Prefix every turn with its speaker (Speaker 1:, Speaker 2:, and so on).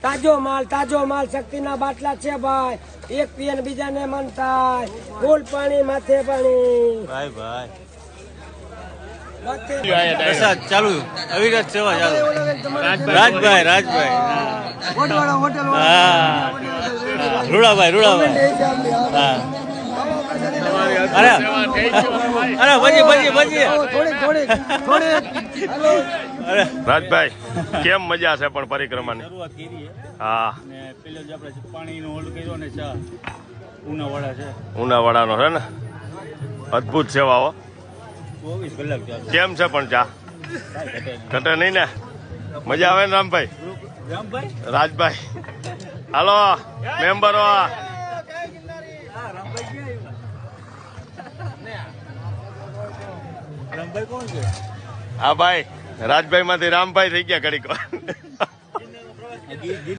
Speaker 1: તાજો માલ શક્તિના બાટલા છે ભાઈ, એક પીએ ને બીજાને મન થાય, ફૂલ પાણી માથે પાણી
Speaker 2: ભાઈ પ્રસાદ ચાલુ, અવિરત સેવા ચાલુ. રાજભાઈ રૂડાભાઈ હા. અરે ભજી
Speaker 3: રાજભાઈ કેમ મજા છે પણ પરિક્રમાની? હા,
Speaker 2: પેલો જે આપણે પાણીનો હોલ્ડ કર્યો ને ચા ઉનાવાડા છે,
Speaker 3: ઉનાવાડાનો છે ને, અદભુત સેવા હો.
Speaker 2: 24 કલાક ચાલે.
Speaker 3: કેમ છે પણ ચા ઘટે નહીં ને? મજા આવે ને રામભાઈ? રાજભાઈ હાલો મેમ્બરો.
Speaker 2: રામભાઈ કોણ છે?
Speaker 3: હા ભાઈ, રાજભાઈ માંથી રામભાઈ થઈ ગયા ઘડીક.